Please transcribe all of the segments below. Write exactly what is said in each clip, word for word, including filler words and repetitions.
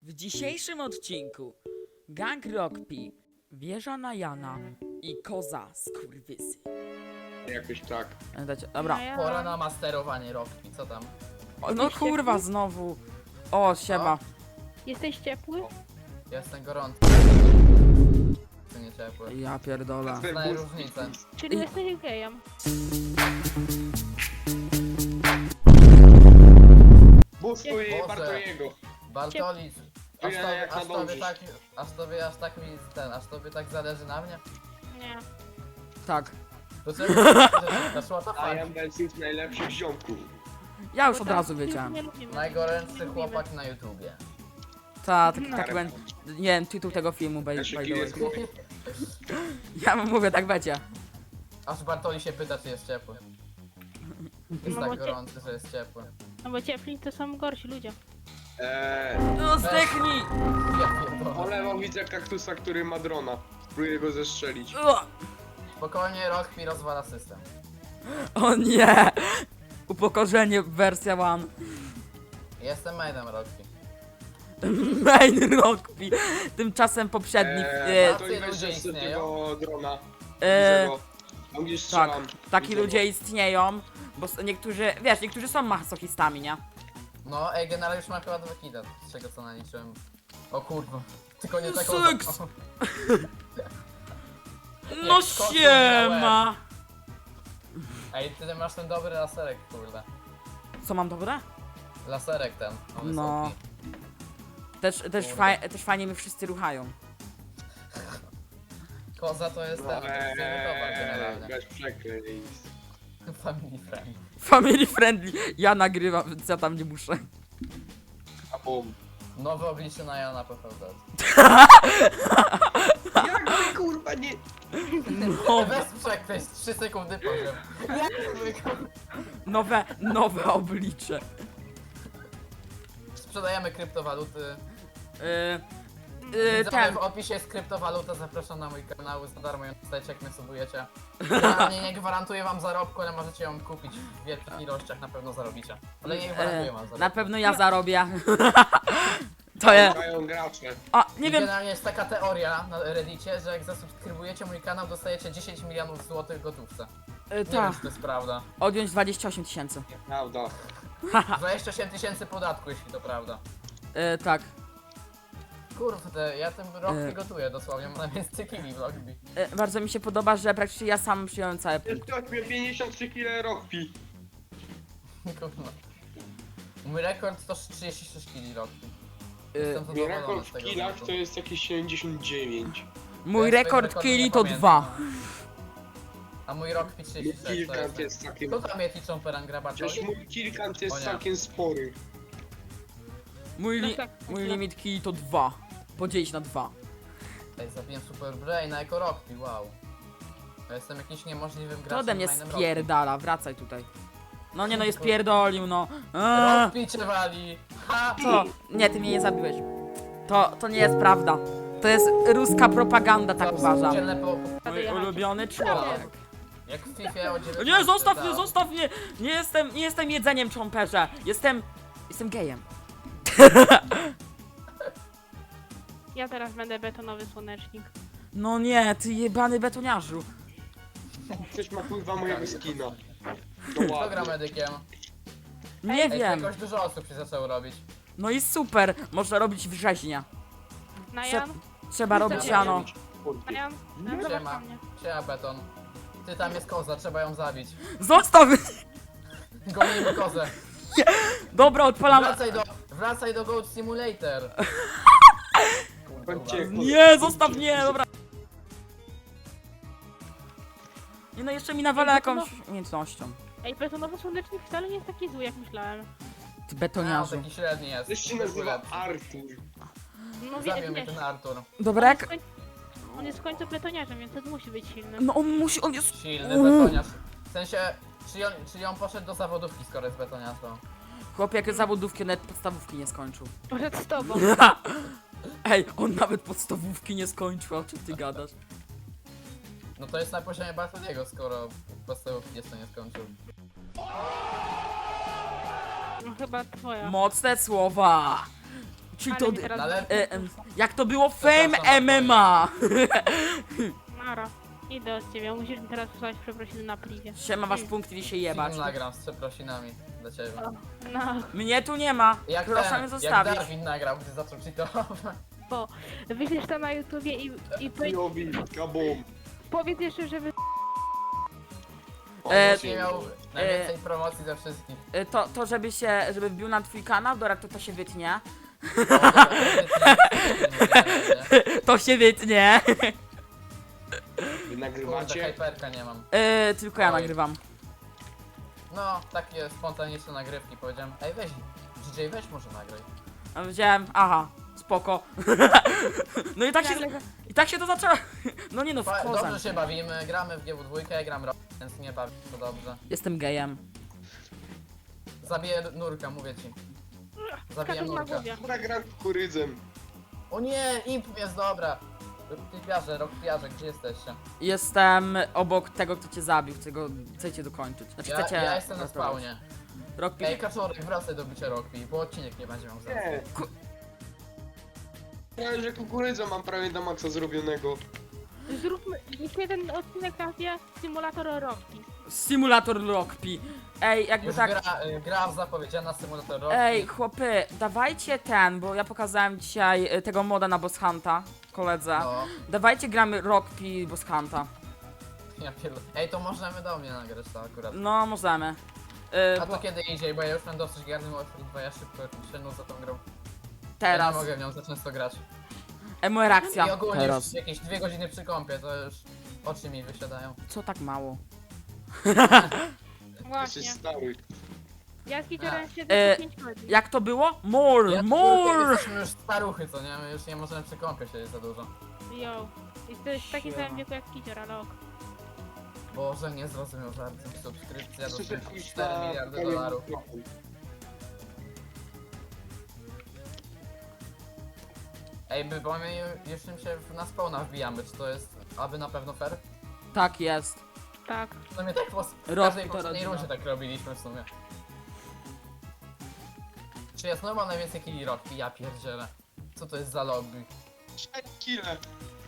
W dzisiejszym odcinku Gang Rockpi, Wieża na Jana i Koza Skurwysy. Jakoś tak. Dajcie, dobra. Pora na masterowanie Rockpi, co tam? O, no kurwa znowu. O, siema. Jesteś ciepły? Jestem gorący. To nie ciepły. Ja pierdolę. Znaję różnicę. Czyli Ej. jesteś gejem? Bóstwo Boże. Bartoliego. Bartolic, aż Ja tobie, jak aż tobie nadążysz. tak, aż tobie aż tak mi ten, aż tobie tak zależy na mnie? Nie. Tak. To czemu zaszła to I fakt? am Bensus najlepszych ziomków. Ja już Bo od tam razu już wiedziałem. nie lubimy. Najgorętszy Lubimy. chłopak na YouTubie. Ta, tak, No. tak będzie. Nie wiem, tytuł tego filmu, by, by Znaczy, the way. jest mój. Ja wam mówię, tak będzie. Aż Bartoli się pyta, czy jest ciepły. Jest No tak bo cie- gorący, że jest ciepły. No bo ciepli to są gorsi ludzie. Eee, No zdechnij! Ja pierdolę. polewam widzę kaktusa, który ma drona. Próbuję go zestrzelić. O, Spokojnie, Rockpi rozwala system. o nie! Upokorzenie wersja one. Jestem mainem Rockpi. Main Rockpi. Tymczasem poprzedni. Eee, E, to Tacy i weź ludzie ze istnieją? tego drona. e, Widzę go. Tam gdzieś tak, strzelam. taki Widzę ludzie go. istnieją, bo s- niektórzy, wiesz, niektórzy są masochistami, nie? No, ej, generalnie już mam chyba dwa kida, z czego co naliczyłem. O kurwa. Tylko nie taką... Seks! O, No Jak kot siema! ej, ty masz ten dobry laserek, kurde. Co mam dobre? Laserek ten. on jest No. O P. Też, też, Kurde. faj, też fajnie mi wszyscy ruchają. Koza to jest ten, to jest towar Eee, generalnie. bez przekleństw. Family friend. Family friendly. Ja nagrywam, więc ja tam nie muszę. A bum. Nowe oblicze na Jana P V Z. Jak ty kurwa nie... No, Bez przekleństw, trzy sekundy powiem. nowe, nowe oblicze. Sprzedajemy kryptowaluty. Yy, yy, Widzowie, ten. w opisie jest kryptowaluta, zapraszam na mój kanał, za darmo ją dostajecie jak mnie subujecie. Ja nie, nie gwarantuję wam zarobku, ale możecie ją kupić w wielkich ilościach, na pewno zarobicie. Ale nie gwarantuję Yy, wam zarobku. na pewno ja zarobię. To jest. Mają gracze. A, I nie wiem. generalnie jest taka teoria na Reddicie, że jak zasubskrybujecie mój kanał, dostajecie dziesięć milionów złotych w gotówce. Yy, Nie ta. wiem, czy to jest prawda. Odjąć dwadzieścia osiem tysięcy. Prawda. dwadzieścia osiem tysięcy podatku, jeśli to prawda. Yy, tak. Kurde, ja ten rok E. nie gotuję dosłownie, mam najwięcej kili w Rockby. Yy, bardzo mi się podoba, że praktycznie ja sam przyjąłem całe Jest ktoś mnie pięćdziesiąt trzy kile rockpi. Kurwa. Mój rekord to trzydzieści sześć kili Rockby. Yy, Jestem Mój zadowolony rekord z w tego kilach wyniku. to jest jakieś siedemdziesiąt dziewięć. Mój Ja rekord swojego rekordu killi nie to pamiętam. dwa. A mój Rockby trzydzieści sześć to Kilkant jest... jest całkiem... Kto tam jest liczą perangra Przecież Bartoli? mój kilkant O jest nie. całkiem spory. Mój, li No tak, mój tak. limit killi to dwa. Podzielić na dwa. Ej, zabiłem Super Braina jako Rockby, wow. Ja jestem jakimś niemożliwym graczem. To ode mnie mainem Rockby. spierdala, wracaj tutaj. No nie no, jest pierdolił, no. Eee, Rockby cię wali! Ha! co? Nie, ty mnie nie zabiłeś. To, to nie jest prawda. To jest ruska propaganda, tak Co, uważam. dzielne po- Mój ulubiony człowiek. Jak w FIFA o dziewiętnaście. Nie, zostaw mnie, tak. zostaw mnie! Nie jestem, nie jestem jedzeniem czomperze. Jestem, jestem gejem. Ja teraz będę betonowy słonecznik. No nie, ty jebany betoniarzu. Ktoś ma kurwa mojego skina. To Kto gra ładnie. medykiem? Nie Ej, wiem. jakoś dużo osób się zaczęło robić. No i super, można robić września. Na Trze- Jan? Trzeba robić siano. Na Jan? Na Jan, zobacz Siema. na mnie. Siema beton. Ty tam jest koza, trzeba ją zabić. Zostaw! Gonimy kozę. Dobra, odpalam. Wracaj do, wracaj do Goat Simulator. Chodźcie, Nie, zostaw mnie, dobra. Nie no, jeszcze mi nawala jakąś umiejętnością. Ej, betonowy słonecznik wcale nie jest taki zły, jak myślałem. Ty No, betoniarzu. taki średni jest. Też się nazywa Artur. No wie, Zabił mnie wiesz, ten Artur. Dobra, jak... on jest w końcu betoniarzem, więc on musi być silny. No on musi, on jest... Silny betoniarz. W sensie, czyli on, czyli on poszedł do zawodówki, skoro jest betoniarzem. Chłop jak zawodówki, nawet podstawówki nie skończył. Przed z tobą. Ej, on nawet podstawówki nie skończył, o czym ty gadasz? No to jest na poziomie Bartoliego, skoro podstawówki jeszcze nie skończył. No chyba twoja. Mocne słowa! Czyli Ale to... mi teraz... No ale- E, em, jak to było Fame Przepraszam M M A! Mara, idę od ciebie, musisz mi teraz wysłać przeprosiny na pliwie. Siema, wasz punkt idzie się jebać. Film nagram z przeprosinami dla ciebie. No, Mnie tu nie ma. Jak Proszę mnie ten, jak zostawić. Darwin nagrał, gdy zaczął cheatować. bo wyślesz to na YouTubie i, i powiedz, Jowi, kabum. powiedz jeszcze, że wy... On E, już nie miał najwięcej promocji ze wszystkich. E, To, to żeby się, żeby wbił na twój kanał, dobra, to to się wytnie. O, dobra, to nie, nie, nie. To się wytnie. Wy Kurde, nagrywacie? hyperka nie mam. E, tylko ja Oj. nagrywam. No, takie spontaniczne nagrywki powiedziałem. Ej, weź, D J, weź może nagraj. A Wziąłem, aha, spoko. No i tak się, i tak się to zaczęło. No nie no, w Fa- kozem. Dobrze się bawimy, gramy w G W dwa, gram rok, więc nie bawi to dobrze. Jestem gejem. Zabiję nurka, mówię ci. Zabiję Skaczesz na nurka. głowie. Dobra, gram kukurydzem. O nie, imp jest dobra. Typiarze, rokpiarze, gdzie jesteście? Jestem obok tego, kto cię zabił, chcę go, chcecie dokończyć. Znaczy Ja, chcecie... ja jestem na ratować. spawnie. Rockpi... Ej, kaczorek, wracaj do bicia rokpi, bo odcinek nie będzie miał sensu. Nie. Ja że kukurydza mam prawie do maksa zrobionego. Zróbmy, niech ten odcinek nazywa Simulator Rocky. Simulator Rockpi. Ej, jakby Już tak... gra, y, gra zapowiedziana symulator rokpi. Ej, chłopy, dawajcie ten, bo ja pokazałem dzisiaj y, tego moda na Boss Hunta, koledze. No, Dawajcie gramy Rockpi Boss Hunta. ja pierdolę. Ej, to możemy do mnie nagrać to akurat. No, możemy. Y, A bo to kiedy indziej, bo ja już mam dosyć garny Warfare dwa, ja szybko się nudzę tą grą. teraz. Ja nie mogę w nią za często grać. Emo reakcja. I ogólnie Teraz. już jakieś dwie godziny przy kąpie, to już oczy mi wysiadają. Co tak mało? Jesteś Właśnie. stały. Ja z Kiczorem E, siedzę po pięć godzin. Jak to było? More, Ja, more! Jesteśmy już staruchy, co nie? My już nie możemy przy kąpie siedzieć za dużo. Yo. I to jest w takim Siema. samym wieku jak Kicior, ale ok. Boże, nie zrozumiał żartem. Subskrypcja do Słyszę jakiś cztery miliardy dolarów. Ej, my, bo my już tym się w- na spawna wbijamy, czy to jest aby na pewno fair? Tak jest. Tak. W sumie tak po w Rok każdej to poprzedniej rodzina. rundzie tak robiliśmy w sumie. Czy jest normal najwięcej killi rokki? Ja pierdzielę. Co to jest za lobby? Cztery kile.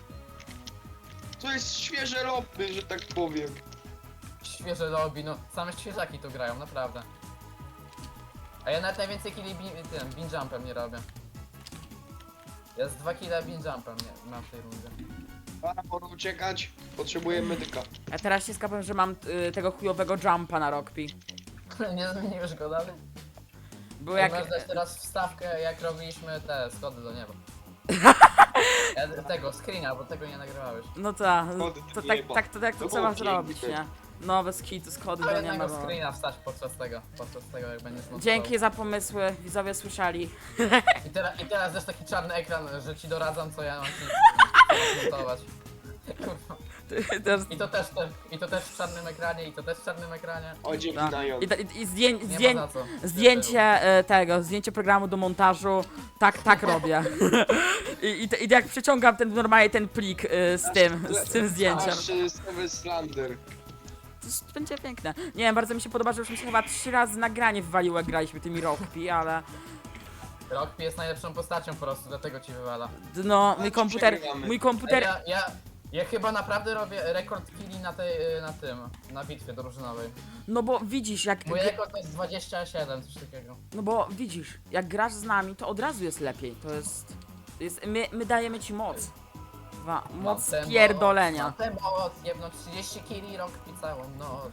To jest świeże lobby, że tak powiem. Świeże lobby, no same świeżaki tu grają, naprawdę. A ja nawet najwięcej killi bi tym, bin jumpem nie robię. Ja z dwa kile bin jumpem nie mam w tej rundzie. Para, pora uciekać. Potrzebuję medyka. Ja teraz się skapłem, że mam y, tego chujowego jumpa na Rockpi. Nie zmieniłeś go dalej? Było Jak... jak... Masz dać teraz wstawkę, jak robiliśmy te schody do nieba. Ja, tego, screena, bo tego nie nagrywałeś. No tak, Schody to do tak, nieba. tak, to tak to To trzeba było zrobić, piękne. nie? Nowe skity, schody Do do jednego nieba. no. screena wstać podczas tego, podczas tego jak będziesz montował. Dzięki za pomysły, widzowie słyszeli. I, teraz I teraz też taki czarny ekran, że ci doradzam co ja mam ci montować. Kurwa. Też, I to też te, i to też w czarnym ekranie, i to też w czarnym ekranie. O, dzięki tak. na ją. I, i, i zdję, Nie zdję, ma za co. zdjęcie e, tego, zdjęcie programu do montażu, tak, tak robię. I, i, te- I jak przyciągam ten normalnie ten plik e, z tym, z tym zdjęciem. Aż y, Seven Slander. To jest- będzie piękne. Nie wiem, bardzo mi się podoba, że już mi się chyba trzy razy nagranie wywaliło, jak graliśmy tymi Rockpi, ale Rockpi jest najlepszą postacią po prostu, dlatego ci wywala. no, mój komputer, przegrywamy. mój Ej, komputer, Ja, ja, ja chyba naprawdę robię rekord killi na tej, na tym, na bitwie drużynowej. no bo widzisz, jak, Mój rekord to jest dwadzieścia siedem, coś takiego. no bo widzisz, jak grasz z nami, to od razu jest lepiej, to jest, jest my, my dajemy ci moc. Wa, moc Na tę pierdolenia. Moc, na tę moc, jedno trzydzieści killi Rockpi całą noc.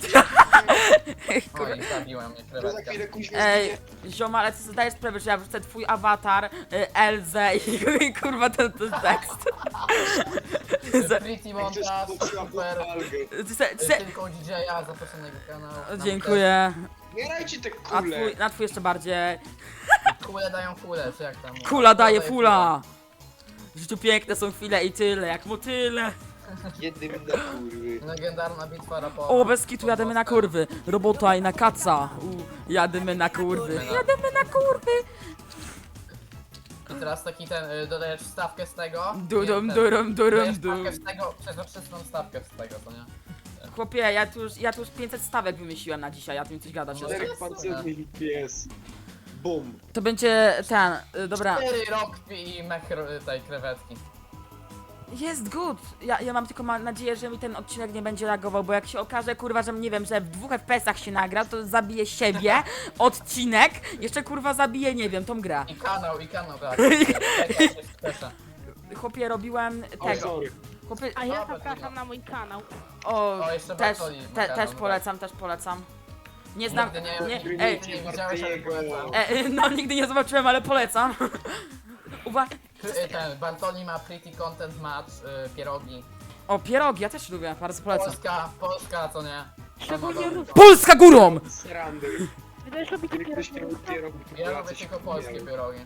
Oj, zabiłem mnie To za krewetka. chwilę kuźwa Ej, zginie. zioma, ale ty sobie zdajesz sprawę, że ja wrzucę twój awatar, y, Elzę i, i kurwa ten, ten tekst. Za- Pretty Jak montaż, chcesz, to trzeba super. algę. ty se, ty se, Tylko D J-a, zaproszonego kanału. Nam dziękuję. Zbierajcie te A kule. twój, na twój jeszcze bardziej. też Kule dają kule, czy jak tam? Kula daje fula. W życiu piękne są chwile i tyle, jak motyle. Jednym na kurwy. Legendarna bitwa rapowa. O, bez kitu jademy na kurwy. Robota i na kaca. U, jademy na kurwy. Jademy na kurwy. I teraz taki ten, y, dodajesz wstawkę z tego. Durum, nie, ten, durum, durum, dodajesz dum. wstawkę z tego, przezroczystą stawkę z tego, co nie? Chłopie, ja tu już, ja tu już pięćset stawek wymyśliłem na dzisiaj, ja tu mi coś gadać. No, Czterech jest pancernych pies. Bum. To będzie ten, y, dobra. Cztery rockpi i mech ro- tej krewetki. Jest good. Ja, ja mam tylko ma nadzieję, że mi ten odcinek nie będzie lagował, bo jak się okaże, kurwa, że nie wiem, że w dwóch F P S-ach się nagra, to zabiję siebie, odcinek, jeszcze kurwa zabiję, nie wiem, tą grę. I kanał, i kanał, tak. Czekaj, się spieszę. Chłopie, robiłem O, tego. sorry. Chłopie, A ja Dobra, zapraszam trudno. na mój kanał. o, O, jeszcze też, Bartoli te, ma też kanał, polecam, też polecam. Nie znam, Nigdy nie, nie, nigdy ej, nie widziałeś, ale polecam. e, e, no nigdy nie zobaczyłem, ale polecam. Uwa, Ty- Ten, Bartoli ma pretty content match, y, pierogi. o, pierogi, ja też lubię, bardzo polecam. Polska, Polska, co nie? Szczególnie Sama ruskie. Polska górą! Srandy. Wy też lubicie Kiedy ktoś nie pierogi? lubi pierogów, to Ja Polacy lubię się tylko polskie wkurwiają. pierogi.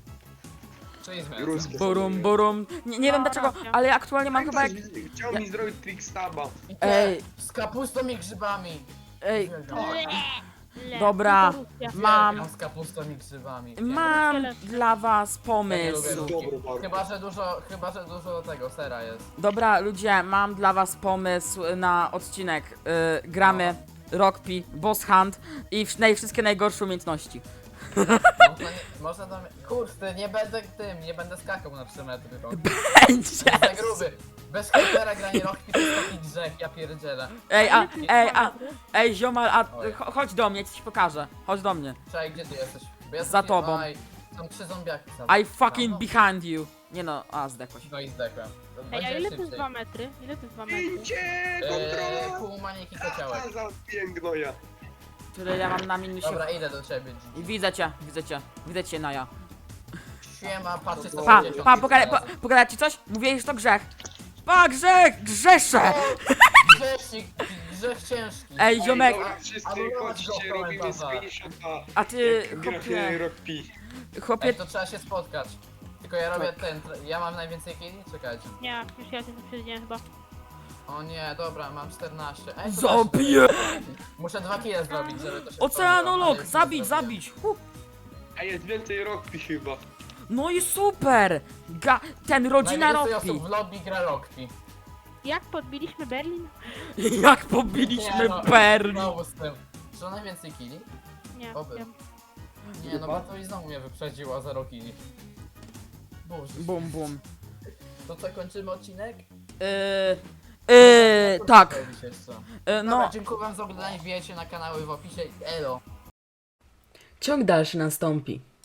Czyli zmiany. Ruskie. Burum, burum. Nie, nie wiem No, dlaczego, racja. ale ja aktualnie mam Tak, chyba jak... ktoś chciał mi zrobić trickstaba. I te, Ej. z kapustą i grzybami. Ej, Uwielbiam. Le, Dobra. tylko Rosja. Mam- Uwielbiam z kapustą i grzybami. mam dla was Ja nie pomysł. lubię Dobry ruskich. bardzo. Chyba, że dużo, chyba, że dużo tego sera jest. Dobra, ludzie, mam dla was pomysł na odcinek. Y, gramy Rockpi, Boss Hunt i w, naj, wszystkie najgorsze umiejętności. Można, nie, można tam... Kurde, nie będę tym, nie będę skakał na trzy metry. Rok. Będzie! Za gruby. Bez komputera granie rockpi to jest taki grzech, ja pierdzielę. Ej, a, Ile ty ej, a, ma? ej, ziomal, a, Oj. cho- chodź do mnie, ci pokażę. Chodź do mnie. Czekaj, gdzie ty jesteś? Bo ja Za jestem- tobą. Oj, są trzy zombiaki. za- I fucking No, behind you. Nie no, a, zdechłeś. No i zdechłem. To Ej, a będzie ile to jest szybciej. dwa metry? Ile to jest dwa metry? Pięcie! Eee, Kontrola! pół maniki kociołek. A, za pięknoja. Tyle ja mam na minusie. Dobra, idę do ciebie. Gigi. Widzę cię, widzę cię. Widzę cię, Naja. Siema, patrzcie co Pa, będzie pa, pogadaj, po, pogadać ci coś? Mówię, że to grzech. Pa, grzech, grzeszę! Grzesznik, grzech ciężki. Ej, ziomek, Dobra, wszyscy Anulować go chodźcie, w robimy z komentarza. pięćdziesiąt A. a ty, Jak grafie chłopie, rockpi. chłopie, Ej, to trzeba się spotkać. Tylko ja robię Tak. ten, ja mam najwięcej killi? Czekajcie. Nie, już ja się przewidziałem chyba. O nie, dobra, mam czternaście. Ej, to zabiję! też- Muszę dwa kile zrobić, żeby to się Oceanolog, spełniło, ale zabić, już nie zrobiłem. zabić! Huh. A jest więcej rockpi chyba. No i super! Ga ten rodzina Najwięcej Rockpi. osób w lobby gra Rockpi. Jak podbiliśmy Berlin? Jak pobiliśmy Nie no, Berlin! Znowu z tym. Czy on najwięcej killi? Nie, Oby. wiem. Nie, no bo to i znowu mnie wyprzedziło zero killi. Boże. Bum, bum. To co, kończymy odcinek? Yy, yy, tak. Robić jeszcze. Yy, No. no, Dziękuję wam za oglądanie, wbijajcie na kanały w opisie. Elo. ciąg dalszy nastąpi.